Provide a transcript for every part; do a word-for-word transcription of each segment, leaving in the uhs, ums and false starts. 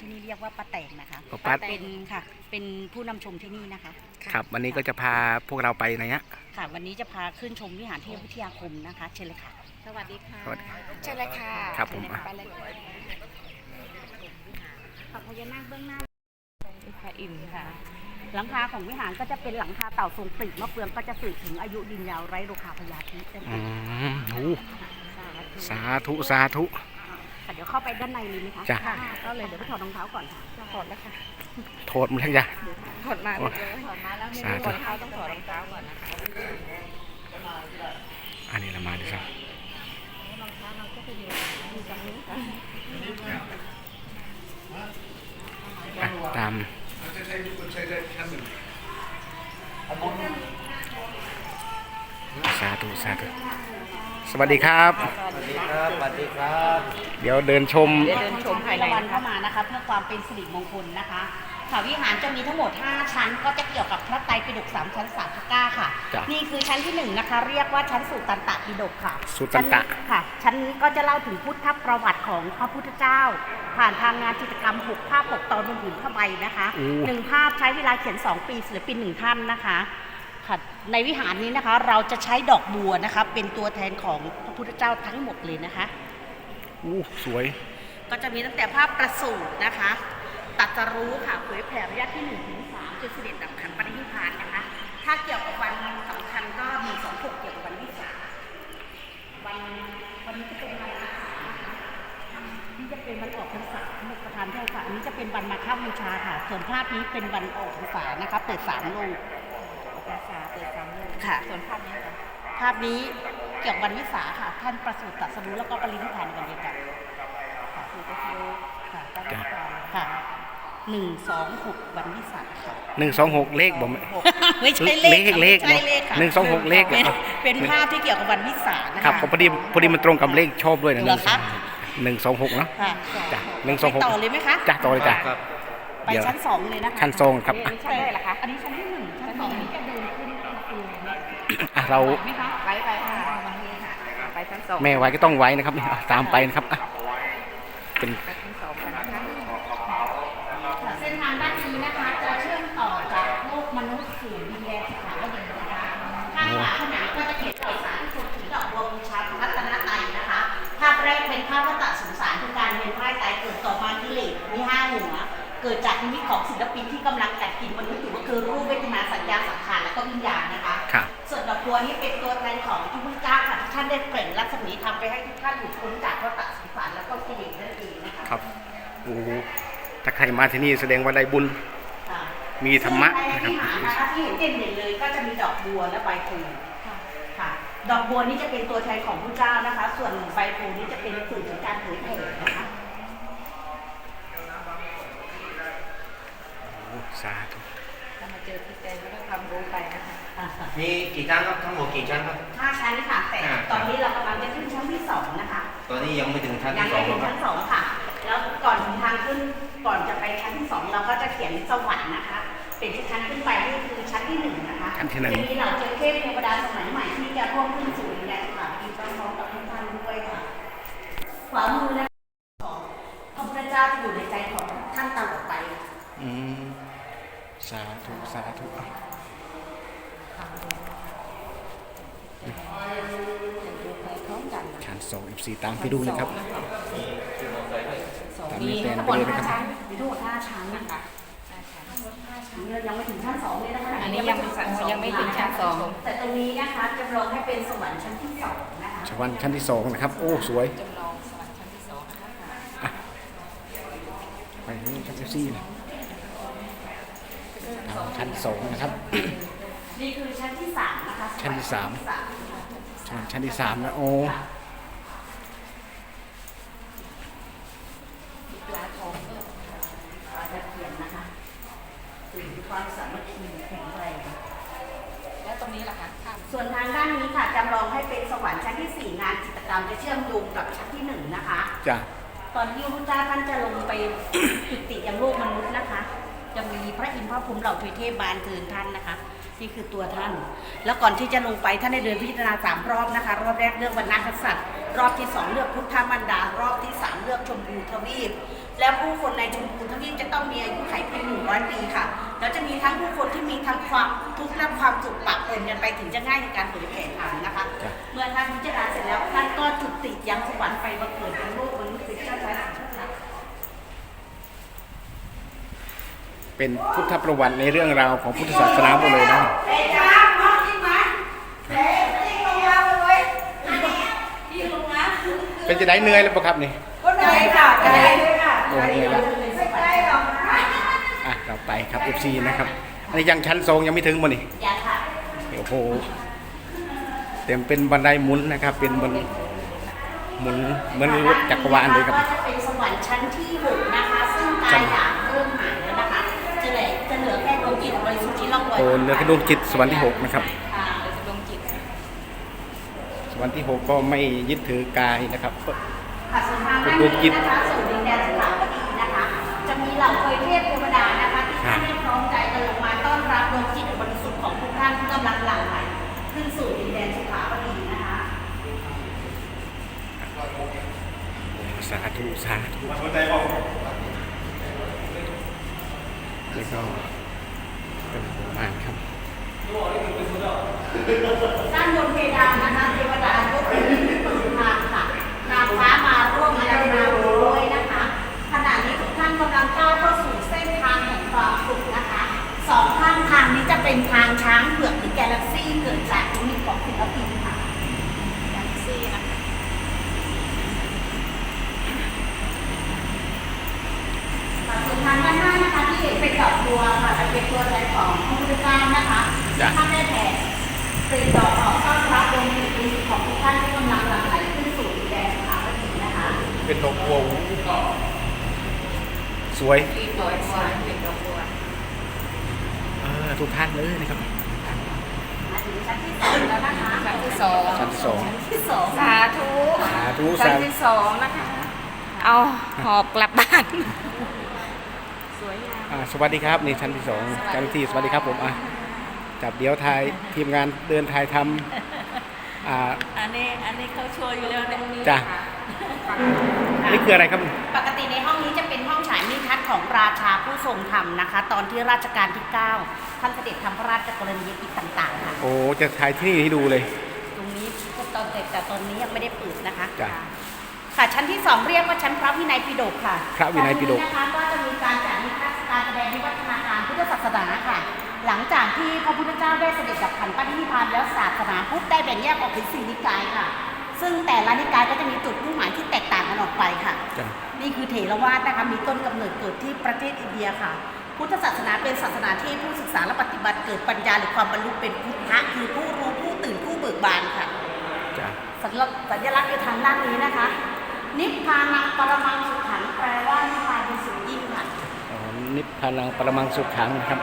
นี่เรียกว่าป้าแตงนะคะป้าเป็นค่ะเป็นผู้นำชมที่นี่นะคะครับวันนี้ก็จะพาพวกเราไปไหนฮะค่ะวันนี้จะพาขึ้นชมวิหารเทพวิทยาคมนะคะเชิญเลยค่ะสวัสดีค่ะสวัสดีเชิญเลยค่ะครับผมไปเลยค่ะพระพญานาคเบื้องหน้าพระอินทร์ค่ะหลังคาของวิหารก็จะเป็นหลังคาเต่าทรงปลีกมะเฟืองก็จะสื่อถึงอายุดินยาวไร้โรคาพยาธินั่นเออืงมโอ้สาธุสาธุค่ะเดี๋ยวเข้าไปด้านในเลยไหมคะจ้ะค่ะก็เลยเดี๋ยวไปถอดรองเท้าก่อนค่ะถอดแล้วค่ะโทษมันแล้วจ้ะถอดมาเลยถอดมาแล้วไม่สารู้ธุรองเท้าต้องถอดรองเท้าก่อนนะคะอันนี้เรามาดูครับรองเท้าเราก็จะอยู่อยู่ตรงนี้ค่ะอ่ะตามสาธุสาธุสวัสดีครับสวัสดีครับ สวัสดีครับเดี๋ยวเดินชมเดี๋ยวเดินชมภายในวันนะคะเข้ามานะคะเพื่อความเป็นสิริมงคลนะคะค่ะวิหารจะมีทั้งหมดห้าชั้นก็จะเกี่ยวกับพระไตรปิฎกสามชั้นสามพระก้าค่ะจ้ะนี่คือชั้นที่หนึ่งนะคะ เรียกว่าชั้นสุตตันตปิฎกค่ะสุตตันตะชั้ค่ะ ชั้นนี้ก็จะเล่าถึงพุทธประวัติของพระพุทธเจ้า ผ่านทางงานจิตรกรรมหกภาพหกตอนบนผืนผ้าใบนะคะอู้หนึ่งภาพใช้เวลาเขียนสองปีศิลปินหนึ่งท่านนะคะค่ะในวิหารนี้นะคะเราจะใช้ดอกบัวนะคะเป็นตัวแทนของพระพุทธเจ้าทั้งหมดเลยนะคะอู้สวยก็จะมีตั้งแต่ภาพประสูตินะคะตรัสรู้ค่ะเผยแผ่ระยะที่หนึ่งถึงสามจนเสด็จดับขันปรินิพพานนะคะ ถ้าเกี่ยวกับวันสำคัญก็มีสองหกเกี่ยวกับวันวิสาขวันวันนี้จะเป็นวันอาสาฬนะคะนี่จะเป็นวันออกพรรษาหมดประธานโทษค่ะอันนี้จะเป็นวันมาฆบูชาค่ะ ส่วนภาพนี้เป็นวันออกพรรษานะคะเปิดสามโลกภาษาเปิดสามเลยค่ะส่วนภาพนี้ค่ะภาพนี้เกี่ยวกับวันวิสาขค่ะ ท่านประสูติตรัสรู้แล้วก็ปรินิพพานในวันเดียวกันค่ะคือก็คือค่ะจ้ะค่ะหนึ่งสองหกวันวิสาขค่ะหนึ่งสองหกเลขบ่มไม่ใช่เลขค่ะเลขไม่ใช่เลขค่ะหนึ่งสองหกเลขเหรอเป็นเป็นภาพที่เกี่ยวกับวันวิสาขนะคะครับผมพอดีพอดีมันตรงกับเลขชอบด้วยนะเหรอคะหนึ่งสองหกเนาะค่ะจ้ะหนึ่งสองหกไปต่อเลยไหมคะจ้ะต่อเลยจ้ะครับไปชั้นสองเลยนะคะชั้นสองครับนี่อันนี้ชั้นได้เหรอคะอันนี้ชั้นที่หนึ่งชั้นสองนี้จะเดินขึ้นเองเนี่ยอ่ะเราไหมคะไปไปค่ะไปชั้นสองแม่ไว้ก็ต้องไว้นะครับนี่ตามไปนะครับอ่ะเป็นไปชั้นสองกันนะคะเส้นทางด้านนี้นะคะจะเชื่อมต่อจากโลกมนุษย์สู่ดินแดนสถาวดีนะคะข้างฝาผนังก็จะเขียนต่อสารที่สุดถึงดอกบัวบูชาพระรัตนตรัยนะคะ ภาพแรกเป็นภาพวัฏสงสารคือการเวียนว่ายตายเกิดต่อมากิเลสมีห้าหัว เกิดจากนิมิตของศิลปินที่กำลังกัดกินมนุษย์อยู่ก็คือรูปเวทนาสัญญาสังขารและก็วิญญาณนะคะครับส่วนดอกบัวนี้เป็นตัวแทนของพระพุทธเจ้าค่ะที่ท่านได้เปล่งรัศมีทำไปให้ทุกท่านหลุดพ้นจากวัฏสงสารและก็กิเลสนั่นเองนะคะครับโอ้โหถ้าใครมาที่นี่แสดงว่าได้บุญค่ะมีธรรมะซึ่งในวิหารนะคะที่เห็นเด่นๆเลยก็จะมีดอกบัวและใบโพธิ์ค่ะ ดอกบัวนี้จะเป็นตัวแทนของพระเจ้านะคะ ส่วนใบโพธิ์นี้จะเป็นสื่อถึงการเผยแผ่นะคะโอ้สาธุถ้ามาเจอพี่แตงก็ต้องทำรู้ไปนะคะมีกี่ชั้นครับ ทั้งหมดกี่ชั้นครับห้าชั้นค่ะ แต่อ่าตอนนี้เรากำลังจะขึ้นชั้นที่สองนะคะตอนนี้ยังไม่ถึงชั้นยังที่สอไม่งหรถึอกงครับชั้นสองค่ะ แล้วก่อนถึงทางขึ้นก่อนจะไปชั้นที่สองเราก็จะเขียนสวรรค์นะคะ เป็นชั้นขึ้นไปนี่คือชั้นที่หนึ่งนะคะชั้นที่หนึ่งจะมีเหล่าเจ้าเทพเทวดาสมัยใหม่ที่จะร่วมขึ้นสู่ดินแดนสถานีพร้อมๆกับทุกท่านด้วยค่ะขวามือและของพระพุทธเจ้าจะอยู่ในใจของท่านตลอดไปค่ะอืมสาธุสาธุอ่ะดูไปพร้อมกันนะชั้นสองอีซีตามไปดูเลยครับสองตามมีนี้แฟนทั้งหไปมดเลยนะห้าครับชั้นมีทั้งหมดห้าชั้นนะคะชั้นเรายังไม่ถึงชั้นสองเลยนะคะอันนี้ยังไม่ยังไม่ถึงชั้นสองแต่ตรงนี้นะคะจำลองให้เป็นสวรรค์ชั้นที่สองนะคะชวันชั้นที่สองนะครับ โอ้สวยจำลองสวรรค์ชั้นที่สองนะคะไปนี่ครับเอฟซีนะทางชั้นสองนะครับนี่คือชั้นที่สามนะคะชั้นที่สาม ชวันชั้นที่สามนะโอ้ปลาทองด้วยตะเกียนนะคะสื่อถึงความสามัคคีแข็งแรงแล้วตรงนี้ล่ะคะข้ามส่วนทางด้านนี้ค่ะจำลองให้เป็นสวรรค์ชั้นที่สี่งานจิตรกรรมจะเชื่อมโยงกับชั้นที่หนึ่งนะคะจ้ะตอนที่พระพุทธเจ้าท่านจะลงไป จุติยังโลกมนุษย์นะคะ จะมีพระอินทร์พระพรหมเหล่าทวยเทพบานเทินท่านนะคะนี่คือตัวท่าน แล้วก่อนที่จะลงไปท่านได้เดินพิจารณาสามรอบนะคะ รอบแรกเลือกวรรณกษัตริย์ รอบที่สองเลือกพุทธมันดารอบที่สามเลือกชมพูทวีป และผู้คนในชมพูทวีปต้องมีอายุขัยเพียงหนึ่งร้อยปีค่ะแล้วจะมีทั้งผู้คนที่มีทั้งความทุกข์และความสุขปะปนกันไปถึงจะง่ายในการเผยแผ่ธรรมนะคะ เมื่อท่านพิจารณาเสร็จแล้วท่านก็จุติยังสวรรค์ไปบังเกิดเป็นโลกมนุษย์เป็นเจ้าชายสิทธัตถะเป็นพุทธประวัติในเรื่องราวของพุทธศาสนาหมดเลยนะเป็นจะได้เหนื่อยแล้วปะครับนี่ก็ได้ค่ะได้ค่ะโอ้เหนื่อยแล้วอ่ะเราไปครับ เอฟ ซี นะครับอันนี้ยังชั้นสองยังไม่ถึงมั้นี่อย่าค่ะโอ้โหเต็มเป็นบันไดหมุนนะครับ เป็นบันหมุนเหมือนรถจักรวาลเลยครับก็จะเป็นสวรรค์ชั้นที่หกนะคะ ซึ่งกายหยาบเริ่มหายแล้วนะคะจะเหลือจะเหลือแค่ดวงจิตบริสุทธิ์ที่ล่องลอยโอ้เหลือแค่ดวงจิตสวรรค์ที่หกนะครับค่ะเหลือดวงจิตสวรรค์ที่หกก็ไม่ยึดถือกายนะครับค่ะส่วนทางด้านนี้นะคะสู่ดินแดนสถาปนิกนะคะ จะมีเหล่าเทพเทพเทวดานะคะที่ท่านได้พร้อมใจกันลงมาต้อนรับดวงจิตบริสุทธิ์ของทุกท่านที่กำลังหลั่งไหลขึ้นสู่ดินแดนสถาปนิกนะคะสาธุสาธุแล้วก็เป็นหมู่บ้านครับด้านบนเพดานนะคะเทวดายกเป็นนิ้วมือทางค่ะนางฟ้ามาร่วมอาราด้วยนะคะขณะนี้ทุกท่านกำลังก้าวเข้าสู่เส้นทางแห่งความสุขนะคะสองข้างทางนี้จะเป็นทางช้างเผือกหรือแกลเล็กซี่เกิดจากนิมิตของศิลปินค่ะแกลเล็กซี่นะคะส่วนทางด้านหน้านะคะที่เห็นเป็นดอกบัวค่ะจะเป็นตัวแทนของพระพุทธเจ้านะคะท่านได้แผ่ปลีดอกออกต้อนรับดวงจิตบริสุทธิ์ของทุกท่านที่กำลังหลั่งไหลขึ้นสู่ดินแดนสถาปนิกนะคะเป็นดอกบัวสวยปลีดอกบัวเป็นดอกบัวเออทุกท่านเลยนะครับมาถึงชั้นที่สองแล้วนะคะชั้นที่สองชั้นที่สองที่สองสาธุสาธุชั้สาน ธุที่สองนะคะ เอาหอบกลับบ้าน สวยงามอ่าสวัสดีครับนี่ชั้นที่สองเจ้าหน้าที่สวัสดีครับผมอ่ะจับเดี๋ยวถ่ายทีมงานเดินถ่ายทำอ่าอันนี้อันนี้เขาโชว์อยู่แล้วเนี่ยจ้ะนี่คืออะไรครับปกติในห้องนี้จะเป็นห้องฉายนิทรรศของราชาผู้ทรงธรรมนะคะ ตอนที่ราชการที่เก้าท่านเสด็จทำพระราชกรณียกิจต่างๆค่ะโอ้จะถ่ายที่นี่ให้ดูเลยตรงนี้ตอนเด็กแต่ตอนนี้ยังไม่ได้เปิดนะคะจ้ะค่ะชั้นที่สองเรียกว่าชั้นพระวินัยปิฎกค่ะพระวินัยปิฎกชั้นนี้นะคะก็จะมีการจัดนิทรรศการแสดงวิวัฒนาการพุทธศาสนาค่ะ หลังจากที่พระพุทธเจ้าได้เสด็จดับขันธ์ปรินิพพานแล้วศาสนาพุทธได้แบ่งแยกออกเป็นสี่นิกายค่ะ ซึ่งแต่ละนิกายก็จะมีจุดมุ่งหมายที่แตกต่างกันออกไปค่ะจ้ะนี่คือเถรวาทนะคะมีต้นกำเนิดเกิดที่ประเทศอินเดียค่ะ พุทธศาสนาเป็นศาสนาที่ผู้ศึกษาและปฏิบัติเกิดปัญญาหรือความบรรลุเป็นพุทธะคือผู้รู้ผู้ตื่นผู้เบิกบานค่ะจ้ะสัญลักษณ์สัญลักษณ์อยู่ทางด้านนี้นะคะ นิพพานังปรมังสุขังแปลว่านิพพานเป็นสุดยิ่งค่ะอ๋อนิพพานังปรมังสุขขังนะครับ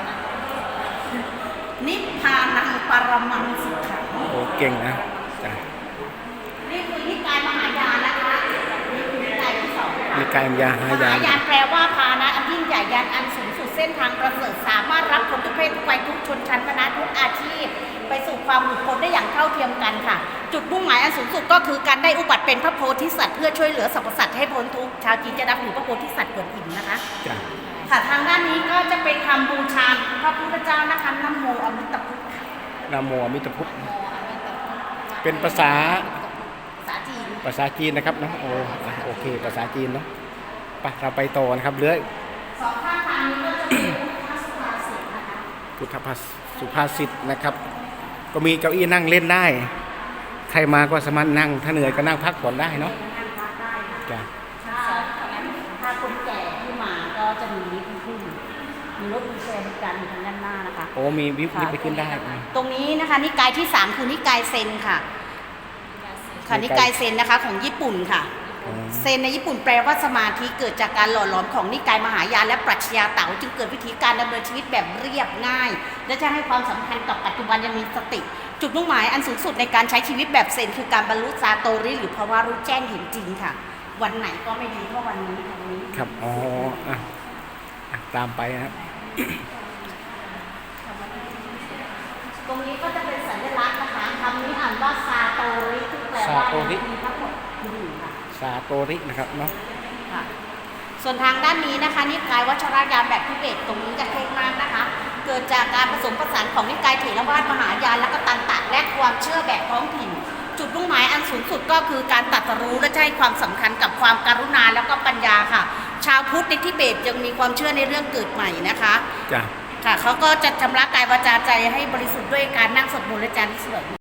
นิพพานังปรมังสุขังโอ้เก่งนะจ้ะนี่คือนิกายมหายานนะคะนี่คือนิกายที่สองค่ะนิกายมหายานมหายานแปลว่าพานะอันยิ่งใหญ่ยานอันสูงสุดเส้นทางประเสริฐสามารถรับคนทุกเพศทุกวัยทุกชนชั้นคณะทุกอาชีพ ไปสู่ความหลุดพ้นได้อย่างเท่าเทียมกันค่ะ จุดมุ่งหมายอันสูงสุดก็คือการได้อุบัติเป็นพระโพธิสัตว์เพื่อช่วยเหลือสรรพสัตว์ให้พ้นทุกข์ชาวจีนจะนับถือพระโพธิสัตว์กวนอิมนะคะจ้ะค่ะทางด้านนี้ก็จะเป็นคำบูชาพระพุทธเจ้านะคะนะโมอมิตพุทธค่ะนะโมอมิตพุทธเป็นภาษาภาษาจีนภาษาจีนนะครับเนาะโอ้อ่ะโอเคภาษาจีนเนาะไปเราไปต่อนะครับเรื่อยสองข้างทางนี้ก็จะเป็นพุทธสุภาษิตนะคะพุทธภาษสุภาษิตนะครับ ก็มีเก้าอี้นั่งเล่นได้ ใครมาก็สามารถนั่ง ถ้าเหนื่อยก็นั่งพักผ่อนได้เนาะนั่งพักได้ค่ะจ้ะถ้าถ้าคนแก่ที่มาก็จะมีลิฟต์ขึ้นมีรถวีลแชร์บริการอยู่ทางด้านหน้านะคะโอ้มีวิบวิบไปขึ้นได้ตรงนี้นะคะนิกายที่สามคือนิกายเซนค่ะค่ะนิกายเซนนะคะของญี่ปุ่นค่ะอ๋อเซนในญี่ปุ่นแปลว่าสมาธิเกิดจากการหล่อหลอมของนิกายมหายานและปรัชญาเต๋าจึงเกิดวิธีการดำเนินชีวิตแบบเรียบง่าย และจะให้ความสำคัญกับปัจจุบันยังมีสติ จุดมุ่งหมายอันสูงสุดในการใช้ชีวิตแบบเซนคือการบรรลุซาโตริหรือภาวะรู้แจ้งเห็นจริงค่ะ วันไหนก็ไม่ดีเท่าวันนี้ค่ะวันนี้ครับอ๋ออ่ะอ่ะตามไปนะครับตรงนี้ก็จะเป็นสัญลักษณ์นะคะคำนี้อ่านว่าซาโตริซึ่งแปลว่าซาโตริมีทั้งหมดหนึ่งค่ะซาโตรินะครับเนาะค่ะส่วนทางด้านนี้นะคะนิกายวัชรยานแบบทิเบตตรงนี้จะเท่มากนะคะ เกิดจากการผสมผสานของนิกายเถรวาทมหายานและก็ตันตะและความเชื่อแบบท้องถิ่น จุดมุ่งหมายอันสูงสุดก็คือการตรัสรู้และให้ความสำคัญกับความกรุณาแล้วก็ปัญญาค่ะ ชาวพุทธในทิเบตยังมีความเชื่อในเรื่องเกิดใหม่นะคะจ้ะค่ะเขาก็จะชำระกายวาจาใจให้บริสุทธิ์ด้วยการนั่งสวดมนต์และจาริกสวด